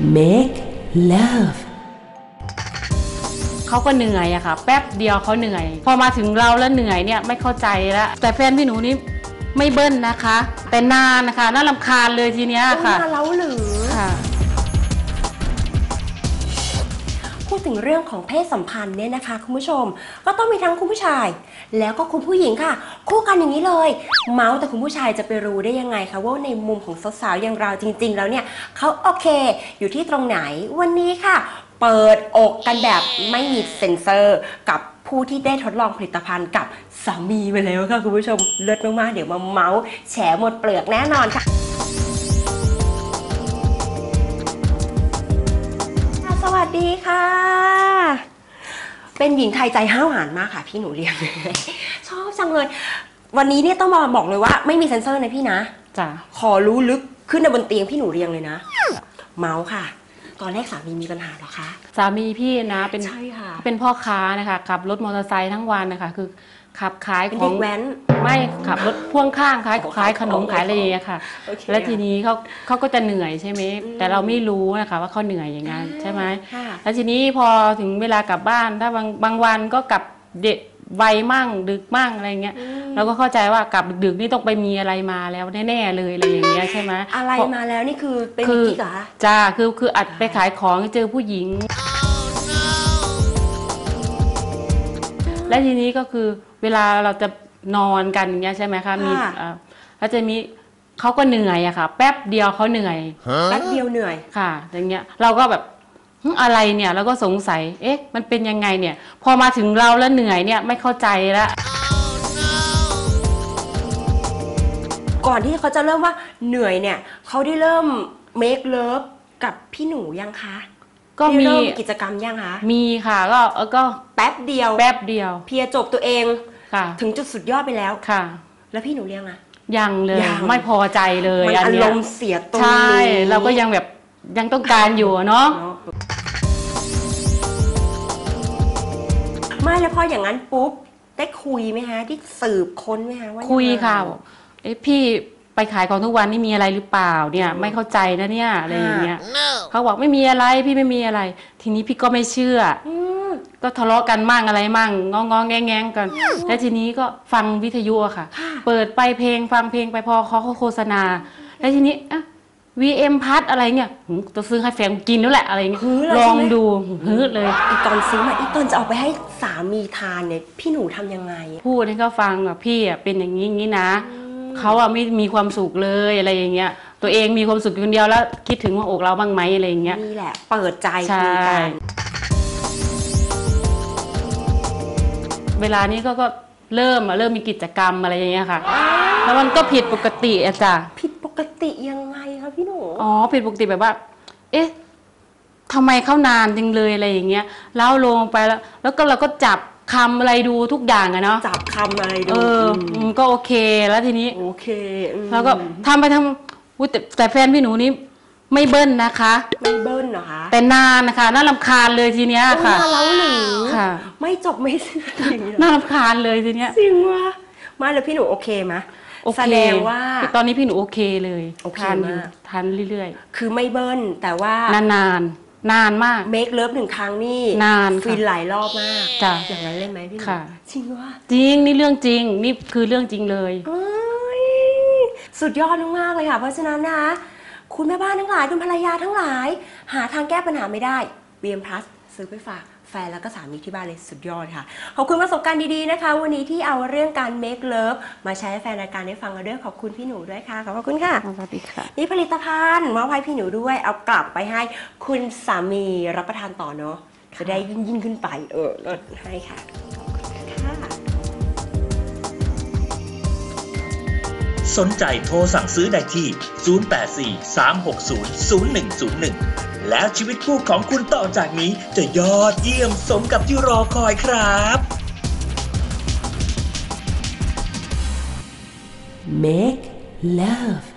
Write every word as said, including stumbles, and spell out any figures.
make love เขาก็เหนื่อยอะค่ะแป๊บเดียวเขาเหนื่อยพอมาถึงเราแล้วเหนื่อยเนี่ยไม่เข้าใจแล้วแต่แฟนพี่หนูนี่ไม่เบิ้ลนะคะแต่นานนะคะน่ารำคาญเลยทีเนี้ยค่ะนานแล้วหรือค่ะพูดถึงเรื่องของเพศสัมพันธ์เนี่ยนะคะคุณผู้ชมก็ต้องมีทั้งคุณผู้ชายแล้วก็คุณผู้หญิงค่ะคู่กันอย่างนี้เลยเมาส์แต่คุณผู้ชายจะไปรู้ได้ยังไงคะว่าในมุมของสาวๆอย่างเราจริงๆแล้วเนี่ยเขาโอเคอยู่ที่ตรงไหนวันนี้ค่ะเปิดอกกันแบบไม่มีเซ็นเซอร์กับผู้ที่ได้ทดลองผลิตภัณฑ์กับสามีไปแล้วค่ะคุณผู้ชมเลิศมากๆเดี๋ยวมาเมาส์แฉหมดเปลือกแน่นอนค่ะสวัสดีค่ะเป็นหญิงไทยใจห้าวหาญมากค่ะพี่หนูเรียงชอบจังเลยวันนี้เนี่ยต้องมาบอกเลยว่าไม่มีเซ็นเซอร์นะพี่นะจ้ะขอรู้ลึกขึ้นในบนเตียงพี่หนูเรียงเลยนะเมาส์ค่ะตอนแรกสามีมีปัญหาหรอคะสามีพี่นะเป็นใช่ค่ะเป็นพ่อค้านะคะขับรถมอเตอร์ไซค์ทั้งวันนะคะคือขับขายของเด็กแว้นไม่ขับรถพ่วงข้างขายขายขนมขายอะไรอย่างเงี้ยค่ะแล้วทีนี้เขาเขาก็จะเหนื่อยใช่ไหมแต่เราไม่รู้นะคะว่าเขาเหนื่อยอย่างนั้นใช่ไหมแล้วทีนี้พอถึงเวลากลับบ้านถ้าบางบางวันก็กลับเด็กไวมั่งดึกมั่งอะไรเงี้ยเราก็เข้าใจว่ากลับดึกๆนี่ต้องไปมีอะไรมาแล้วแน่ๆเลยอะไรอย่างเงี้ยใช่ไหมอะไรมาแล้วนี่คือเป็นกิ๊กเหรอจ้าคือคืออัดไปขายของเจอผู้หญิงและทีนี้ก็คือเวลาเราจะนอนกันอย่างเงี้ยใช่ไหมคะมีแล้วจะมีเขาก็เหนื่อยอะค่ะแป๊บเดียวเขาเหนื่อยแป๊บเดียวเหนื่อยค่ะอย่างเงี้ยเราก็แบบอะไรเนี่ยเราก็สงสัยเอ๊ะมันเป็นยังไงเนี่ยพอมาถึงเราแล้วเหนื่อยเนี่ยไม่เข้าใจแล้วก่อนที่เขาจะเริ่มว่าเหนื่อยเนี่ยเขาได้เริ่ม make love กับพี่หนูยังคะก็มีกิจกรรมยังคะมีค่ะก็ก็แป๊บเดียวแป๊บเดียวเพียจบตัวเองค่ะถึงจุดสุดยอดไปแล้วค่ะแล้วพี่หนูเลี้ยงอะยังเลยไม่พอใจเลยมันอารมณ์เสียตรงนี้ใช่เราก็ยังแบบยังต้องการอยู่เนาะไม่แล้วพออย่างนั้นปุ๊บได้คุยไหมฮะที่สืบค้นไหมฮะว่าคุยค่ะเอ๊ะพี่ไปขายของทุกวันนี่มีอะไรหรือเปล่าเนี่ยไม่เข้าใจนะเนี่ยอะไรอย่างเงี้ยเขาบอกไม่มีอะไรพี่ไม่มีอะไรทีนี้พี่ก็ไม่เชื่อก็ทะเลาะกันมั่งอะไรมั่งงองงแงงแงงกันแล้วทีนี้ก็ฟังวิทยุอะค่ะเปิดไปเพลงฟังเพลงไปพอเขาโฆษณาแล้วทีนี้อ่ะวีเอ็มพัดอะไรเนี่ยจะซื้อให้แฟนกินแล้วแหละอะไรเงี้ยลองดูฮึดเลยอีตอนซื้อมาอีตอนจะเอาไปให้สามีทานเนี่ยพี่หนูทำยังไงพูดให้เขาฟังแบบพี่อ่ะเป็นอย่างนี้อย่างนี้นะเขาอ่ะไม่มีความสุขเลยอะไรอย่างเงี้ยตัวเองมีความสุขคนเดียวแล้วคิดถึงว่าอกเราบ้างไหมอะไรอย่างเงี้ยนี่แหละเปิดใจคุยกันเวลานี้ก็ก็เริ่มเริ่มมีกิจกรรมอะไรอย่างเงี้ยค่ะแล้วมันก็ผิดปกติอะจ้ะผิดปกติยังไงคะพี่หนูอ๋อผิดปกติแบบว่าเอ๊ะทำไมเข้านานจังเลยอะไรอย่างเงี้ยแล้วลงไปแล้วแล้วก็เราก็จับคำอะไรดูทุกอย่างอะเนาะจับคำอะไรดูเออก็โอเคแล้วทีนี้โอเคแล้วก็ทำไปทำอุ้ยแต่แต่แฟนพี่หนูนี่ไม่เบิ้ลนะคะไม่เบิ้ลเหรอคะแต่นานนะคะน่ารำคาญเลยทีเนี้ยค่ะนานแล้วหรือค่ะไม่จบไม่สิ้นน่ารำคาญเลยทีเนี้ยจริงว่ะมาแล้วพี่หนูโอเคไหมแสดงว่าตอนนี้พี่หนูโอเคเลยทานอยู่ทานเรื่อยๆคือไม่เบิ้ลแต่ว่านานนานนานมากเมคเลิฟหนึ่งครั้งนี่นานฟินหลายรอบมากจ้ะอย่างนั้นเล่นไหมพี่หนูจริงว่าจริงนี่เรื่องจริงนี่คือเรื่องจริงเลยสุดยอดมากเลยค่ะเพราะฉะนั้นนะคะคุณแม่บ้านทั้งหลายคุณภรรยาทั้งหลายหาทางแก้ปัญหาไม่ได้ บี เอ็ม Plus ซื้อไปฝากแฟนแล้วก็สามีที่บ้านเลยสุดยอดค่ะขอบคุณประสบการณ์ดีๆนะคะวันนี้ที่เอาเรื่องการ make love มาใช้ให้แฟนรายการได้ฟังกันด้วยขอบคุณพี่หนูด้วยค่ะขอบคุณค่ะสวัสดีค่ะนี่ผลิตภัณฑ์มอบให้พี่หนูด้วยเอากลับไปให้คุณสามีรับประทานต่อเนาะจะได้ยิ่งยิ่งขึ้นไปเออลดให้ค่ะสนใจโทรสั่งซื้อได้ที่ศูนย์ แปด สี่ สาม หก ศูนย์ ศูนย์ หนึ่ง ศูนย์ หนึ่งแล้วชีวิตคู่ของคุณต่อจากนี้จะยอดเยี่ยมสมกับที่รอคอยครับ Make love